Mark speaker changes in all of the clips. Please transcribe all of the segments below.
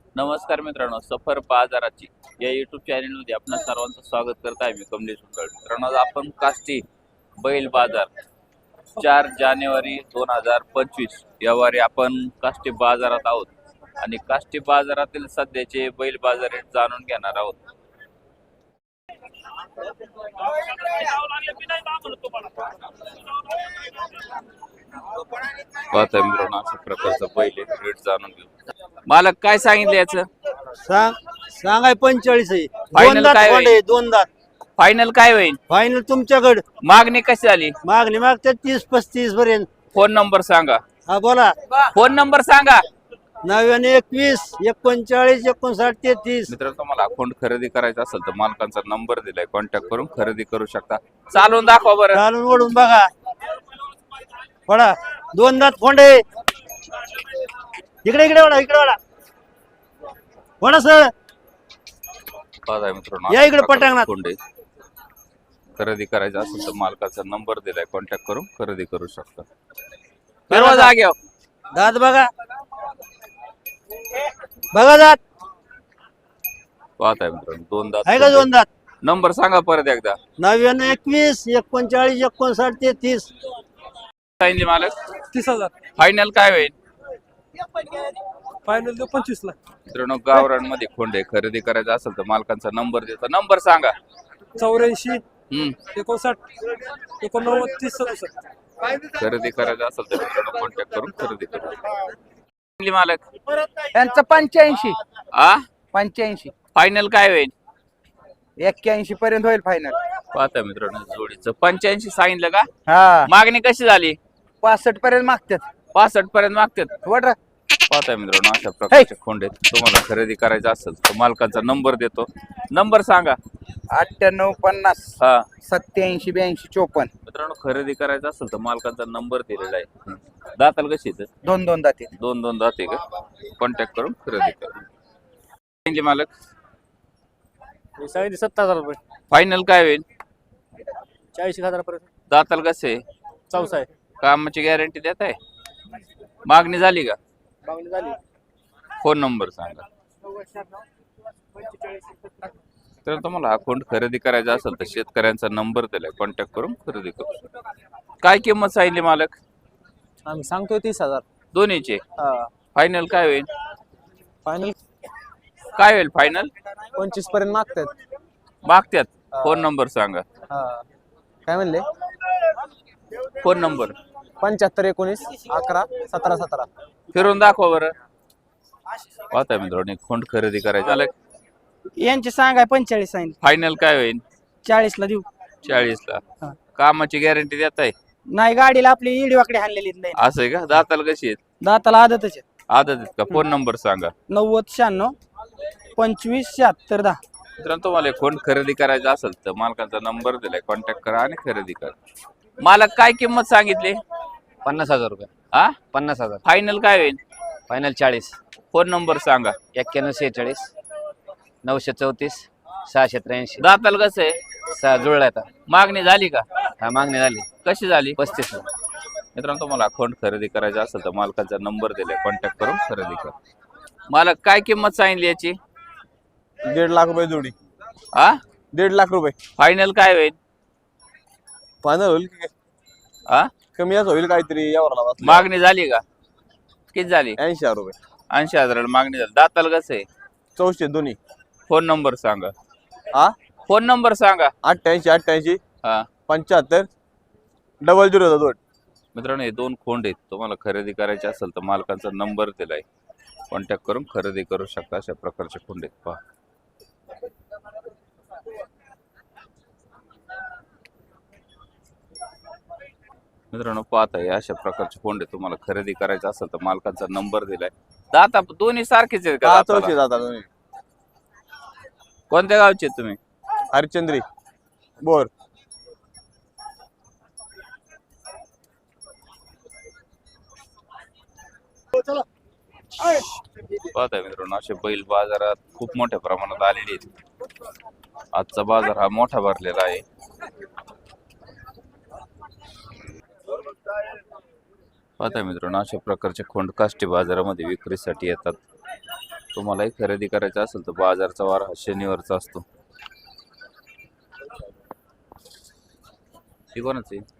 Speaker 1: नमस्कार मित्रांनो, सफर बाजाराची या युट्यूब चॅनलमध्ये आपणा सर्वांचं स्वागत करत आहे. मी कमलेश उंटळ. मित्रांनो, आज आपण काष्टी बैल बाजार 4 जानेवारी 2025 यावारी आपण काष्टी बाजारात आहोत आणि काष्टी बाजारातील सध्याचे बैल बाजार रेट जाणून घेणार आहोत. पाहता मित्रांनो, अशा प्रकारचं बैल रेट जाणून घेऊ. मालक काय सांगितलं याचं?
Speaker 2: सांगाय 45 आहे.
Speaker 1: Final
Speaker 2: दोन दात
Speaker 1: काय
Speaker 2: कोंडे,
Speaker 1: होईल?
Speaker 2: दोन दात
Speaker 1: फायनल काय होईल?
Speaker 2: फायनल तुमच्याकडे.
Speaker 1: मागणी कशी झाली?
Speaker 2: मागणी मागते 30-35 पर्यंत.
Speaker 1: फोन नंबर सांगा.
Speaker 2: हा बोला.
Speaker 1: फोन नंबर सांगा.
Speaker 2: 99 21 39 59 33.
Speaker 1: मित्रांनो, तुम्हाला अकाउंट खरेदी करायचा असेल तर मालकांचा नंबर दिलाय, कॉन्टॅक्ट करून खरेदी करू शकता. चालून दाखवा बरं.
Speaker 2: चालून ओढून बघा. पडा दोन दात कोंडे. इकडे इकडे वडा, इकडे वडा. वडा सर.
Speaker 1: बघा मित्रांनो,
Speaker 2: या इकडे पटांगणात.
Speaker 1: कोंडे खरेदी करायचा असेल तर मालकाचा नंबर दिलाय, कॉन्टॅक्ट करून खरेदी करू शकता. सर्व जागेवर
Speaker 2: दात बघा. बघा दात
Speaker 1: पाहताय मित्रांनो, दोन दात
Speaker 2: आहे का? दोन दात.
Speaker 1: नंबर सांगा परत एकदा.
Speaker 2: 99 21 39 59 33.
Speaker 1: सांगितले मालक.
Speaker 3: 30,000
Speaker 1: फायनल काय होईल?
Speaker 3: फायनल देऊ 25 ला.
Speaker 1: मित्रांनो, गावरांमध्ये खोंडे खरेदी करायचा असेल तर मालकांचा नंबर देतो. नंबर सांगा.
Speaker 3: 84
Speaker 1: हम्म
Speaker 3: 59 89 30 67.
Speaker 1: खरेदी करायचं असेल तर मित्रांनो कॉन्टॅक्ट करून खरेदी करू शकता. मालक
Speaker 4: यांचं 85
Speaker 1: आ
Speaker 4: 85
Speaker 1: फायनल काय होईल?
Speaker 4: 81 पर्यंत होईल फायनल.
Speaker 1: पाहता मित्रांनो, जोडीचं 85 सांगितलं का?
Speaker 4: हा
Speaker 1: मागणी कशी झाली?
Speaker 4: 65 पर्यंत मागतात.
Speaker 1: 65 पर्यंत मागतात.
Speaker 4: वडरा
Speaker 1: पाहताय मित्रांनो, अशा प्रकारचे खोंडे तुम्हाला खरेदी करायचं असेल तर मालकाचा नंबर देतो. नंबर सांगा.
Speaker 4: 98 50
Speaker 1: हा
Speaker 4: 87 82 54.
Speaker 1: मित्रांनो, खरेदी करायचं असेल तर मालकाचा नंबर दिलेला आहे. दाताल कशी येतं?
Speaker 4: दोन दोन दाते.
Speaker 1: दोन दाते का? कॉन्टॅक्ट करून खरेदी करा. मालक
Speaker 3: 70,000 रुपये.
Speaker 1: फायनल काय होईल?
Speaker 3: 40,000 पर्यंत.
Speaker 1: दाताल कसे?
Speaker 3: चौसा आहे.
Speaker 1: कामाची गॅरंटी देत आहे? मागणी झाली का?
Speaker 3: मागणी झाली.
Speaker 1: फोन नंबर सांगा. तर तुम्हाला अकाउंट खरेदी करायचा असेल तर शेतकऱ्यांचा नंबर दिलाय, कॉन्टॅक्ट करून खरेदी करू शकता. काय किंमत सांगितली मालक?
Speaker 3: आम्ही सांगतोय 30,000.
Speaker 1: दोन्हीचे
Speaker 3: हा
Speaker 1: फायनल काय होईल?
Speaker 3: फायनल
Speaker 1: काय होईल फायनल?
Speaker 3: 25 पर्यंत मागतात.
Speaker 1: मागत्यात. फोन नंबर सांगा.
Speaker 3: हा काय म्हणले?
Speaker 1: Phone number
Speaker 3: 75 19 11 17 17.
Speaker 1: फिरून दाखवा बरं. पाहता मित्रांनो, खोंड खरेदी करायचं आलं.
Speaker 4: यांचे सांगाय 45 सांगितले.
Speaker 1: फायनल काय होईल?
Speaker 4: 40 ला देऊ.
Speaker 1: 40 ला.
Speaker 4: हा.
Speaker 1: कामाची गॅरंटी देत आहे?
Speaker 4: नाही गाडीला आपली इडवाकडे हाणलेली नाही.
Speaker 1: असं आहे का? दाताला कशी आहेत?
Speaker 4: दाताला आदतच आहे.
Speaker 1: आदत आहेत का? फोन नंबर सांगा.
Speaker 4: 90 96 25 76 10.
Speaker 1: मित्रांनो, तुम्हाला खोंड खरेदी करायचा असेल तर मालकाचा नंबर दिलाय, कॉन्टॅक्ट करा आणि खरेदी करा. मालक काय किंमत सांगितली?
Speaker 5: 50,000 रुपये.
Speaker 1: हा
Speaker 5: 50,000.
Speaker 1: फायनल काय होईल?
Speaker 5: फायनल 40.
Speaker 1: फोन नंबर सांगा.
Speaker 5: 91 46 934 683.
Speaker 1: दाताला कसं आहे?
Speaker 5: 6 जुळला आता.
Speaker 1: मागणी झाली का?
Speaker 5: हा मागणी झाली
Speaker 1: कशी झाली?
Speaker 5: 35.
Speaker 1: मित्रांनो, तुम्हाला अकाउंट खरेदी करायचा असेल तर मालकाचा नंबर दिलाय, कॉन्टॅक्ट करून खरेदी करा. मालक काय किंमत सांगितली याची?
Speaker 6: 1.5 लाख रुपये जोडी.
Speaker 1: हा
Speaker 6: 1.5 लाख रुपये.
Speaker 1: फायनल काय होईल?
Speaker 6: फायनल होईल की काय?
Speaker 1: हा
Speaker 6: कमी जास्त होईल काहीतरी यावर.
Speaker 1: मागणी झाली का? किती झाली?
Speaker 6: 80,000 रुपये.
Speaker 1: 80,000 मागणी झाली. दाताला कसं आहे?
Speaker 6: 64 दोन्ही.
Speaker 1: फोन नंबर सांगा.
Speaker 6: हा
Speaker 1: फोन नंबर सांगा.
Speaker 6: 88 88
Speaker 1: हा
Speaker 6: 75 0002.
Speaker 1: मित्रांनो, हे दोन खोंड आहेत. तुम्हाला खरेदी करायचे असेल तर मालकाचा नंबर दिलाय, कॉन्टॅक्ट करून खरेदी करू शकता. अशा प्रकारचे खोंड आहेत. पहा. मित्रांनो, पाहता या अशा प्रकारचे खोंड आहेत. तुम्हाला खरेदी करायचं असेल तर मालकाचा नंबर दिलाय. दाता दोन्ही सारखेच आहेत का?
Speaker 6: 64
Speaker 1: दाताला?
Speaker 6: जातात दोन्ही.
Speaker 1: कोणत्या गावचे आहेत तुम्ही?
Speaker 6: हरिश्चंद्री बोर.
Speaker 1: पाहताय मित्रांनो, असे बैल बाजारात खूप मोठ्या प्रमाणात आलेले आहेत. आजचा बाजार हा मोठा भरलेला आहे. पाहताय मित्रांनो, अशा प्रकारचे खोंड काष्टी बाजारामध्ये विक्रीसाठी येतात. तुम्हालाही खरेदी करायचं असेल तर बाजारचा वार हा शनिवारचा असतो. ही कोणाच आहे?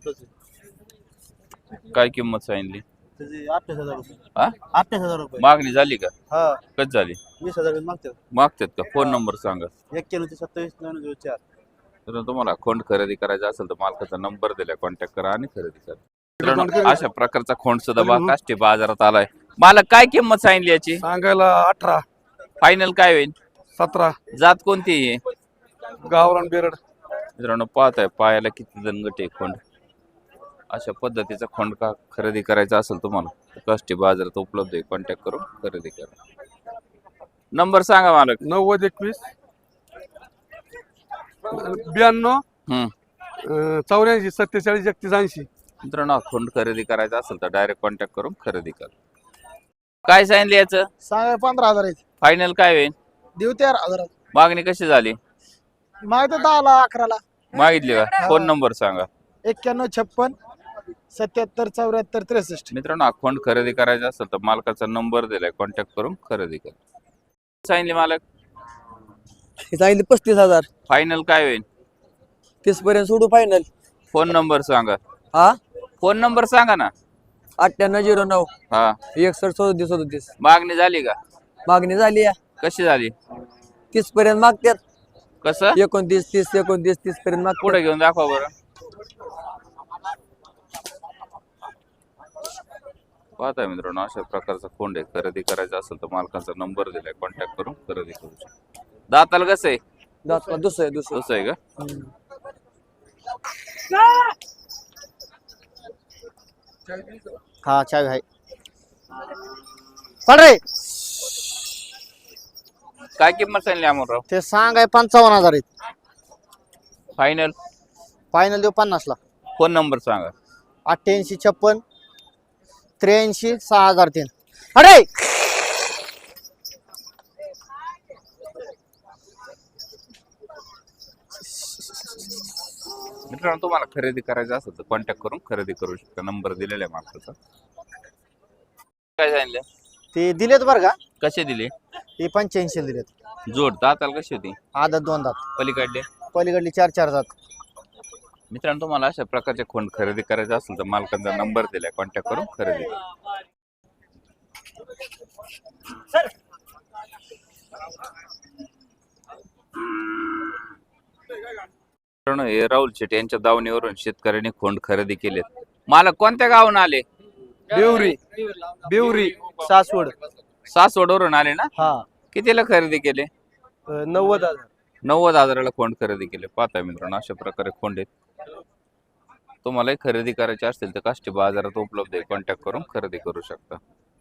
Speaker 1: काय किंमत सांगितली?
Speaker 2: 28,000 रुपये.
Speaker 1: हा
Speaker 2: 28,000 रुपये.
Speaker 1: मागणी झाली का?
Speaker 2: हा
Speaker 1: कधी झाली?
Speaker 2: 20,000 मागतात.
Speaker 1: मागतात का? फोन नंबर सांगा.
Speaker 2: 9127
Speaker 1: तर तुम्हाला खोंड खरेदी करायचा असेल तर मालकाचा नंबर दिलाय, कॉन्टॅक्ट करा आणि खरेदी करा. मित्रांनो, अशा प्रकारचा खोंड सुद्धा काष्टी बाजारात आलाय. मालक काय किंमत सांगितली याची?
Speaker 4: सांगायला 18,
Speaker 1: फायनल काय होईल?
Speaker 4: 17.
Speaker 1: जात कोणती आहे?
Speaker 4: गावरान बेरड.
Speaker 1: मित्रांनो पाहताय पायाला किती दणगट आहे खोंड. अशा पद्धतीचा खोंड का खरेदी करायचा असेल तुम्हाला तर काष्टी बाजारात उपलब्ध आहे. कॉन्टॅक्ट करून खरेदी करा. नंबर सांगा मालक.
Speaker 4: 90 21 92 84 47 31 80.
Speaker 1: मित्रांनो खोंड खरेदी करायचा असेल तर डायरेक्ट कॉन्टॅक्ट करून खरेदी करा. काय सांगितलं याचं?
Speaker 4: सांगा 15,000 आहेत.
Speaker 1: फायनल काय होईल?
Speaker 4: देऊ 13,000.
Speaker 1: मागणी कशी झाली?
Speaker 4: माहिती 10ला 11ला.
Speaker 1: मागितली का? फोन नंबर सांगा.
Speaker 4: 91 56 77 74 63.
Speaker 1: मित्रांनो हा खोंड खरेदी करायचा असेल तर मालकाचा नंबर दिलाय, कॉन्टॅक्ट करून खरेदी करा. सांगितले मालक.
Speaker 3: सांगितले 35,000.
Speaker 1: फायनल काय होईल?
Speaker 3: 30 पर्यंत सोडू फायनल.
Speaker 1: फोन नंबर सांगा.
Speaker 3: हा
Speaker 1: फोन नंबर सांगा ना.
Speaker 3: 9809
Speaker 1: हा
Speaker 3: 61 37 37.
Speaker 1: मागणी झाली का?
Speaker 3: मागणी झाली या.
Speaker 1: कशी झाली?
Speaker 3: 30 पर्यंत मागतात.
Speaker 1: कसं?
Speaker 3: 29 30 29 30 पर्यंत मागतात.
Speaker 1: पुढे घेऊन दाखवा बरं. पाहताय मित्रांनो अशा प्रकारचा खोंड आहे. खरेदी करायचा असेल तर मालकाचा नंबर दिलाय, कॉन्टॅक्ट करून खरेदी करू शकता. दाताला कसं आहे?
Speaker 3: दातला दुसरं
Speaker 1: तसं आहे का?
Speaker 2: हा चावी आहे. पण रे
Speaker 1: काय किंमत सांगली अमोलराव?
Speaker 2: ते सांगाय 55,000 आहेत.
Speaker 1: फायनल
Speaker 2: फायनल देऊ 50 ला.
Speaker 1: फोन नंबर सांगा.
Speaker 2: 88 56 83 6003. अरे
Speaker 1: मित्रांनो तुम्हाला खरेदी करायचं असेल तर कॉन्टॅक्ट करून खरेदी करू शकता. नंबर दिलेला आहे मालकाचा. काय सांगितलं?
Speaker 2: ते दिलेत बरं का?
Speaker 1: कसे दिले?
Speaker 2: ते 85 दिलेत.
Speaker 1: जोड दाताला कशी होती?
Speaker 2: आदत 2 दात.
Speaker 1: पलीकडले?
Speaker 2: पलीकडली 4 दात.
Speaker 1: मित्रांनो तुम्हाला अशा प्रकारचे खोंड खरेदी करायचे असेल तर मालकाचा नंबर दिलाय, कॉन्टॅक्ट करून खरेदी करा. मित्रांनो हे राहुल शेट यांच्या दावणीवरून शेतकऱ्यांनी खोंड खरेदी केलेत. मालक कोणत्या गावून आले?
Speaker 3: बिवरी
Speaker 2: सासवड.
Speaker 1: सासवडवरून आले ना?
Speaker 2: हा
Speaker 1: कितीला खरेदी केले?
Speaker 3: 90,000.
Speaker 1: 90,000ला खोंड खरेदी केले. पाहताय मित्रांनो अशा प्रकारे खोंड आहेत. तुम्हालाही खरेदी करायची असतील तर काष्टी बाजारात उपलब्ध आहे. कॉन्टॅक्ट करून खरेदी करू शकता.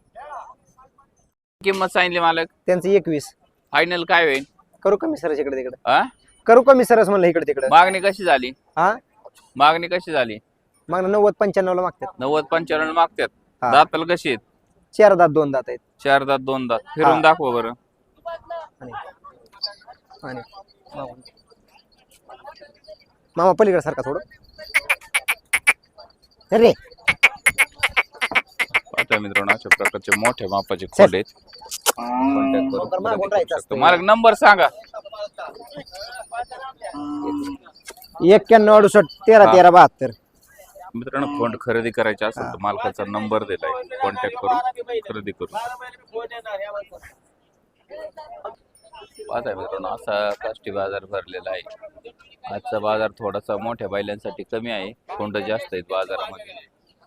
Speaker 1: किंमत सांगितली मालक.
Speaker 2: त्यांचं 21.
Speaker 1: फायनल काय होईल?
Speaker 2: करू कमी सरस इकडे तिकडे.
Speaker 1: हा
Speaker 2: करू कमी सरस म्हणलं इकडे तिकडे.
Speaker 1: मागणी कशी झाली?
Speaker 2: हा
Speaker 1: मागणी कशी झाली?
Speaker 2: मग 90 95 ला मागतात.
Speaker 1: 90 95 मागतात.
Speaker 2: हा.
Speaker 1: दाताला कशी आहेत?
Speaker 2: 4 दात 2 दात आहेत.
Speaker 1: 4 दात 2 दात. फिरून
Speaker 2: हा.
Speaker 1: दाखवा बरं.
Speaker 2: आणि मामा पलीकडे सारखा थोडं. अरे
Speaker 1: पाहता मित्रांनो अशा प्रकारचे मोठ्या मापाचे खोंड आहेत. कॉन्टॅक्ट करून
Speaker 2: मागून
Speaker 1: खरेदी
Speaker 2: राहायचं
Speaker 1: करू
Speaker 2: असतं.
Speaker 1: शकता. मालक नंबर सांगा.
Speaker 2: 91 68 13 13 72.
Speaker 1: मित्रांनो खोंड खरेदी करायचे असेल तर मालकाचा नंबर दिलाय, कॉन्टॅक्ट करून खरेदी करू. पाहताय मित्रांनो असा काष्टी बाजार भरलेला आहे. आजचा बाजार थोडासा मोठ्या बैलांसाठी कमी आहे. खोंड जास्त आहेत बाजारामध्ये.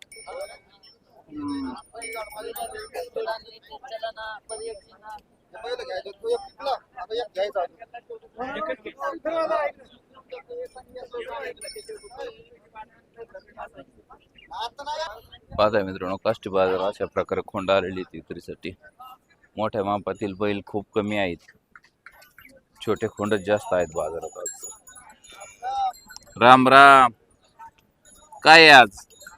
Speaker 1: पाहताय मित्रांनो काष्टी बाजार अशा प्रकारे खोंड आलेली विक्रीसाठी. मोठ्या मापातील बैल खूप कमी आहेत. छोटे खोंडच जास्त आहेत बाजारात आज. राम राम. काय आहे आज?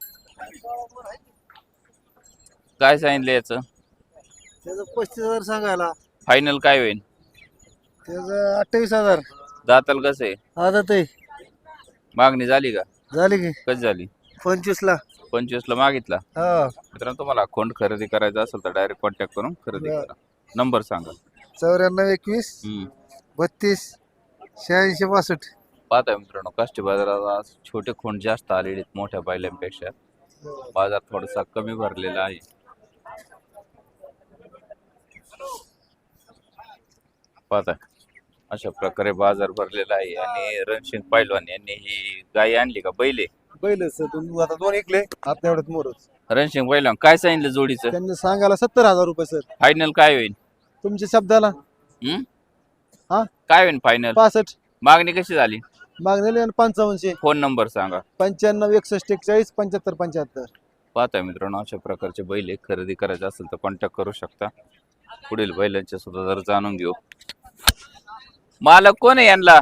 Speaker 1: काय सांगितलं याचं?
Speaker 2: त्याचं 35,000 सांगायला.
Speaker 1: फायनल काय होईल?
Speaker 2: त्याचं 28,000.
Speaker 1: दाताल कसं आहे?
Speaker 2: आदत आहे.
Speaker 1: मागणी झाली का?
Speaker 2: झाली की
Speaker 1: कशी झाली?
Speaker 2: 25 ला.
Speaker 1: 25 ला मागितला.
Speaker 2: हा
Speaker 1: मित्रांनो तुम्हाला खोंड खरेदी करायचा असेल तर डायरेक्ट कॉन्टॅक्ट करून खरेदी करा. नंबर सांगा.
Speaker 2: 9421
Speaker 1: हम्म.
Speaker 2: 32 86 62.
Speaker 1: पाहताय मित्रांनो काष्टी बाजारात आज छोटे खोंड जास्त आलेले आहेत मोठ्या बैलांपेक्षा. बाजार थोडासा कमी भरलेला आहे. पाहताय अशा प्रकारे बाजार भरलेला आहे आणि रणसिंग पैलवान यांनी ही गाय आणली का बैले?
Speaker 2: बैल सर आता 2 ऐकले आता एवढ्यात मोरच.
Speaker 1: रणसिंग पैलवान काय सांगितलं जोडीचं?
Speaker 2: त्यांनी सांगायला 70,000 रुपये सर.
Speaker 1: फायनल काय होईल?
Speaker 2: तुमच्या शब्दाला
Speaker 1: हम्म?
Speaker 2: हा?
Speaker 1: काय होईल फायनल?
Speaker 2: 65
Speaker 1: मागणी कशी झाली?
Speaker 2: मागणी आणि 55
Speaker 1: फोन नंबर सांगा.
Speaker 2: 95 61 41 75 75.
Speaker 1: पाहताय मित्रांनो अशा प्रकारचे बैल खरेदी करायचे असेल तर कॉन्टॅक्ट करू शकता. पुढील बैलांचे सुद्धा जर जाणून घेऊ. मालक कोण आहे यांना?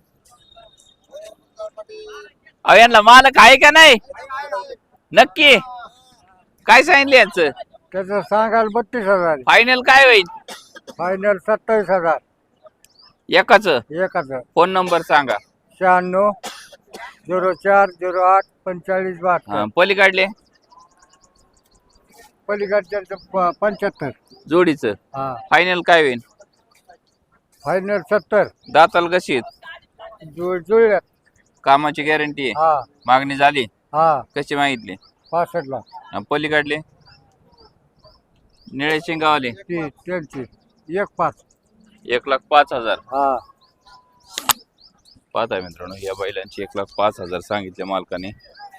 Speaker 1: अहो यांना मालक आहे का नाही नक्की? काय सांगितले यांचं?
Speaker 2: त्याचं सांगायला 32,000.
Speaker 1: फायनल काय होईल?
Speaker 2: फायनल 27,000
Speaker 1: एकाच?
Speaker 2: एकाच.
Speaker 1: फोन नंबर सांगा.
Speaker 2: 96 04 08 45 72.
Speaker 1: पलीकडले
Speaker 2: पलीकडच्या 75.
Speaker 1: जोडीचं
Speaker 2: हा
Speaker 1: फायनल काय होईल?
Speaker 2: फायनल 70.
Speaker 1: दाताल कशी आहेत?
Speaker 2: जुळल्यात.
Speaker 1: कामाची गॅरंटी आहे?
Speaker 2: हा
Speaker 1: मागणी झाली?
Speaker 2: हा
Speaker 1: कशी मागितली?
Speaker 2: 65 ला.
Speaker 1: पलीकडले निळे शिंगावाले
Speaker 2: ती त्यांची 1,5.
Speaker 1: 1,05,000.
Speaker 2: हा
Speaker 1: पाहताय मित्रांनो या बैलांची 1,05,000 सांगितले मालकाने.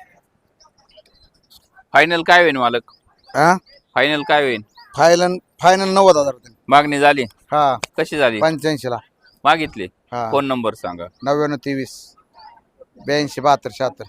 Speaker 1: फायनल काय होईल मालक? फायनल काय होईल?
Speaker 2: फायनल 90,000 रुपये.
Speaker 1: मागणी झाली?
Speaker 2: हा
Speaker 1: कशी झाली?
Speaker 2: 85 ला.
Speaker 1: मागितली?
Speaker 2: हा.
Speaker 1: फोन नंबर सांगा.
Speaker 2: 99 23 82 72 76.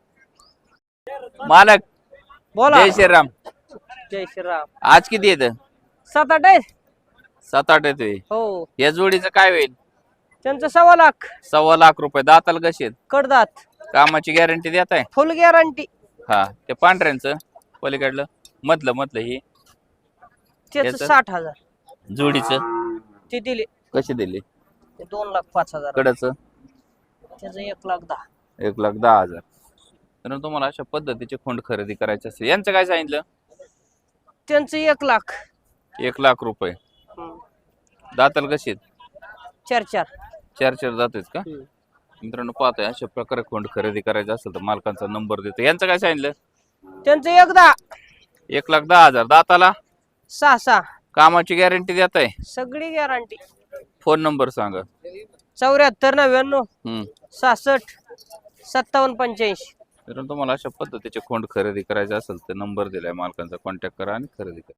Speaker 1: मालक
Speaker 4: बोला.
Speaker 1: जय श्रीराम.
Speaker 4: जय श्रीराम.
Speaker 1: आज किती येत?
Speaker 4: 7-8 आहे.
Speaker 1: 7-8 येतोय.
Speaker 4: हो
Speaker 1: या जोडीचं काय होईल?
Speaker 4: त्यांचं 1.25 लाख.
Speaker 1: 1.25 लाख रुपये. दाताल कशी आहेत?
Speaker 4: कडदात.
Speaker 1: कामाची गॅरंटी देत आहे?
Speaker 4: Full guarantee.
Speaker 1: हा ते पांढऱ्यांचं पलीकडलं मधलं ही
Speaker 4: त्याचं
Speaker 1: याचं?
Speaker 4: 60,000
Speaker 1: जोडीचं
Speaker 4: ते दिले.
Speaker 1: कशी दिली?
Speaker 4: 2,05,000.
Speaker 1: कडचं
Speaker 4: त्याचं 1,10,000.
Speaker 1: 1,10,000. तर तुम्हाला अशा पद्धतीचे खोंड खरेदी करायचे असेल यांचं काय सांगितलं?
Speaker 4: त्यांचं 1 लाख.
Speaker 1: 1 लाख रुपये. दाताल कशी आहेत?
Speaker 4: 4-4.
Speaker 1: 4 दात आहेत का? मित्रांनो पाहताय अशा प्रकारे खोंड खरेदी करायचा असेल तर मालकांचा नंबर देतो. यांचं काय सांगितलं?
Speaker 4: त्यांचं 1,10,000.
Speaker 1: 1,10,000. दाताला
Speaker 4: 6-6.
Speaker 1: कामाची गॅरंटी देत आहे?
Speaker 4: सगळी गॅरंटी.
Speaker 1: फोन नंबर सांगा.
Speaker 4: 74 99 66 57 85.
Speaker 1: तर तुम्हाला अशा पद्धतीचे खोंड खरेदी करायचे असेल तर नंबर दिलाय मालकांचा कॉन्टॅक्ट करा आणि खरेदी करा.